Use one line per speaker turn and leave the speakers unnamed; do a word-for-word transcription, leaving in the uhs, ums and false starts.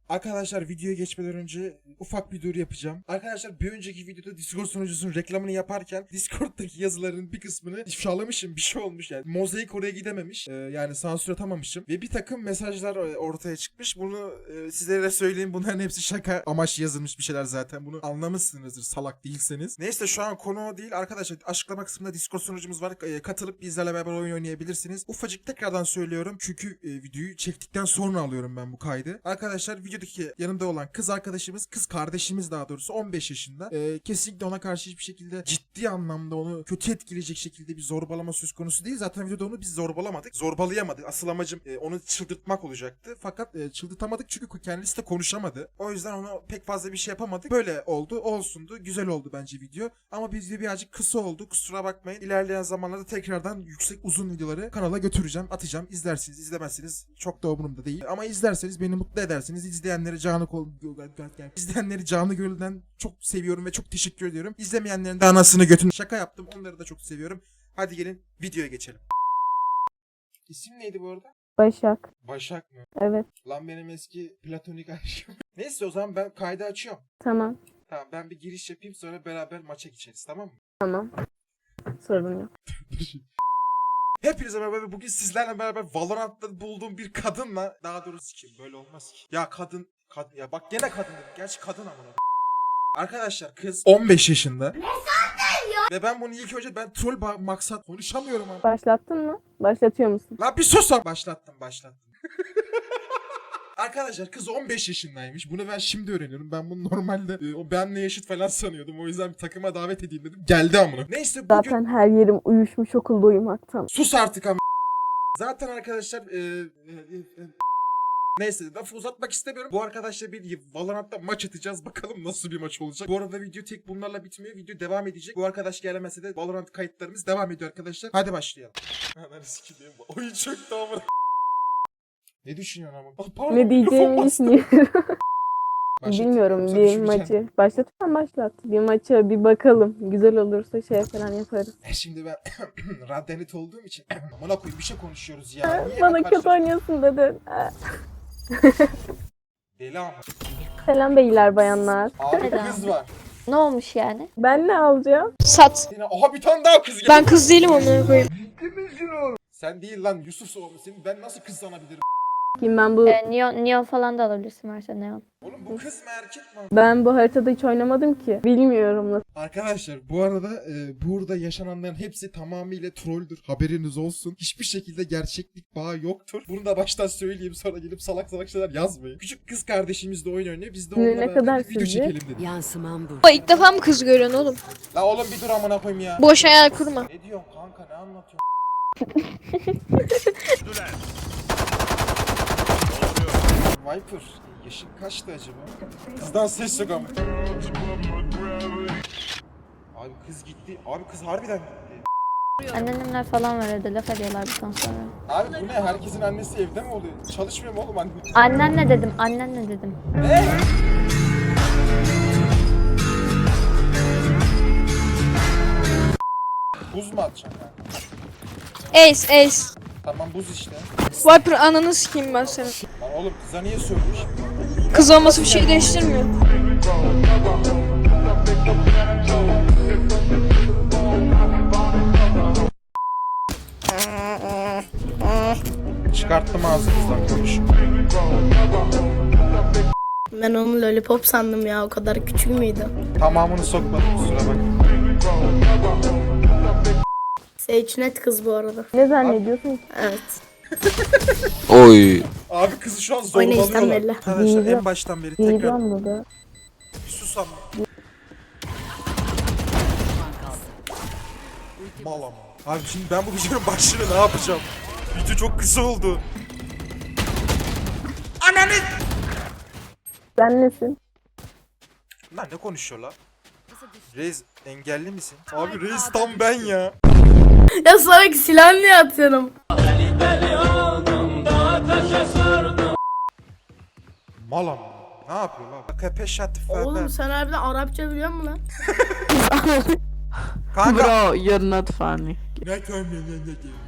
Arkadaşlar videoya geçmeden önce ufak bir duyuru yapacağım. Arkadaşlar bir önceki videoda Discord sunucusunun reklamını yaparken Discord'daki yazıların bir kısmını ifşalamışım, bir şey olmuş yani. Mozaik oraya gidememiş. Ee, yani sansür atamamışım. Ve bir takım mesajlar ortaya çıkmış. Bunu e, sizlere söyleyeyim. Bunların hepsi şaka amaçlı yazılmış bir şeyler zaten. Bunu anlamışsınızdır salak değilseniz. Neyse şu an konu o değil. Arkadaşlar açıklama kısmında Discord sunucumuz var. E, katılıp bizlerle beraber oyun oynayabilirsiniz. Ufacık tekrardan söylüyorum. Çünkü e, videoyu çektikten sonra alıyorum ben bu kaydı. Arkadaşlar videodaki yanımda olan kız arkadaşımız, kız kardeşimiz daha doğrusu on beş yaşında. E, kesinlikle ona karşı hiçbir şekilde ciddi anlamda onu kötü etkileyecek şekilde bir zorbalama söz konusu değil. Zaten videoda onu biz zorbalamadık. Zorbalayamadık. Asıl amacım e, onu çıldırtmak olacaktı. Fakat e, çıldırtamadık çünkü kendisi de konuşamadı. O yüzden onu pek fazla bir şey yapamadık. Böyle oldu. Olsundu. Güzel oldu bence video. Ama video birazcık kısa oldu. Kusura bakmayın. İlerleyen zamanlarda tekrardan yüksek uzun videoları kanala götüreceğim. Atacağım. İzlersiniz. İzlemezsiniz. Çok da umurumda değil. Ama izlerseniz beni mutlu edersiniz. İzleyenleri canı kol... İzleyenleri canı gönülden çok seviyorum ve çok teşekkür ediyorum. İzlemeyenlerin de anasını götünü şaka yaptım. Onları da çok seviyorum. Hadi gelin videoya geçelim. İsim neydi bu arada?
Başak.
Başak mı?
Evet.
Lan benim eski platonik aşkım. Neyse o zaman ben kaydı açıyorum.
Tamam.
Tamam ben bir giriş yapayım sonra beraber maça geçeriz, tamam mı?
Tamam. Sorun yok.
Hepinize merhaba ve bugün sizlerle beraber Valorant'ta bulduğum bir kadınla, daha doğrusu kim böyle olmaz ki. Ya kadın, kadın ya bak gene kadın dedim. Gerçi kadın amına. Arkadaşlar kız on beş yaşında. Ne sandın ya? Ve ben bunu ilk önce ben troll ba- maksat konuşamıyorum ama.
Başlattın mı? Başlatıyor musun?
Lan bir sus lan. Başlattım başlattım. Arkadaşlar kız on beş yaşındaymış. Bunu ben şimdi öğreniyorum. Ben bunu normalde e, o benle yaşıt falan sanıyordum. O yüzden bir takıma davet edeyim dedim. Geldi amına. Neyse bugün...
Zaten her yerim uyuşmuş okulda uyumaktan.
Sus artık ama. Zaten arkadaşlar e, e, e, neyse lafı uzatmak istemiyorum. Bu arkadaşla bir Valorant'ta maç atacağız. Bakalım nasıl bir maç olacak. Bu arada video tek bunlarla bitmiyor. Video devam edecek. Bu arkadaş gelemese de Valorant kayıtlarımız devam ediyor arkadaşlar. Hadi başlayalım. Hemen sikeyim. Oyun çöktü ama. Ne düşünüyorsun ama? Ah, pardon,
Ne diyeceğimi düşünüyorum.
Başlat.
Bilmiyorum
Yoksa
bir
düşüneceksin.
maçı. Başlatırsan başlat. Bir maça bir bakalım. Güzel olursa şey falan yaparız.
Şimdi ben radyanit olduğum için amına koyayım bir şey konuşuyoruz ya. Niye
Bana
ben
kötü
karşı-
oynuyorsun dedin.
Deli ama.
Selam beyler bayanlar.
Abi kız var.
Ne olmuş yani?
Ben ne alacağım?
Sat.
Yine aha bir tane daha kız geldi.
Ben kız değilim onları koyayım.
Sen değil lan Yusuf oğlum. Senin ben nasıl kız sanabilirim?
Kim ben bu
Ee, neon, neon falan da alabilirsin varsa neon.
Oğlum bu kız mı erkek mi?
ben bu haritada hiç oynamadım ki. Bilmiyorum nasıl.
Arkadaşlar bu arada e, burada yaşananların hepsi tamamıyla trolldür. Haberiniz olsun. Hiçbir şekilde gerçeklik bağı yoktur. Bunu da baştan söyleyeyim sonra gelip salak salak şeyler yazmayın. Küçük kız kardeşimiz de oyun oynuyor. Biz de
Ne-
onunla
ne
beraber
kadar
bir video
sizce?
çekelim dedik.
Yansımam bu.
Baba ilk defa mı kız görüyorsun oğlum?
La oğlum bir dur amına koyayım ya.
Boş hayal kurma.
Ne diyorsun kanka ne anlatıyorsun? Viper yaşın kaçtı acaba? Kızdan ses yok ama. Abi kız gitti. Abi kız harbiden gitti.
Anneannemler falan var evde laf ediyorlar bundan sonra.
Abi bu ne? Herkesin annesi evde mi oluyor? Çalışmıyor mu oğlum anne?
Annenle dedim, annenle dedim.
Ne? Buz mu atacaksın kanka?
Ace Ace.
Tamam buz işte.
Viper ananı sikeyim ben senin.
Lan oğlum kıza niye söylüyor şimdi?
Kız olması bir şey değiştirmiyor.
Çıkarttım ağzınızdan konuş.
Ben onu lollipop sandım ya, o kadar küçük müydü?
Tamamını sokmadım kusura bak.
Sage net kız bu arada.
Ne zannediyorsun ki?
Evet.
Oy.
Abi kızı şu an
Oynayıştan
zorbalıyorlar.
belli.
Arkadaşlar
Değil.
en baştan beri tekrar
Diyeceğim dedi.
bir sus ama. Mal ama. Abi şimdi ben bu videonun başlığını ne yapacağım? Video çok kısa oldu. Ananı!
Sen nesin?
Lan ne konuşuyorlar? Reis engelli misin? Abi Reis tam ben ya.
Ya salak, silah niye atıyorum?
Mal ama. Ne yapıyor lan? Kepeşat
Oğlum sen harbiden Arapça biliyor musun lan?
Kanka.
Bro, you're not funny.
Ne kömür ne ne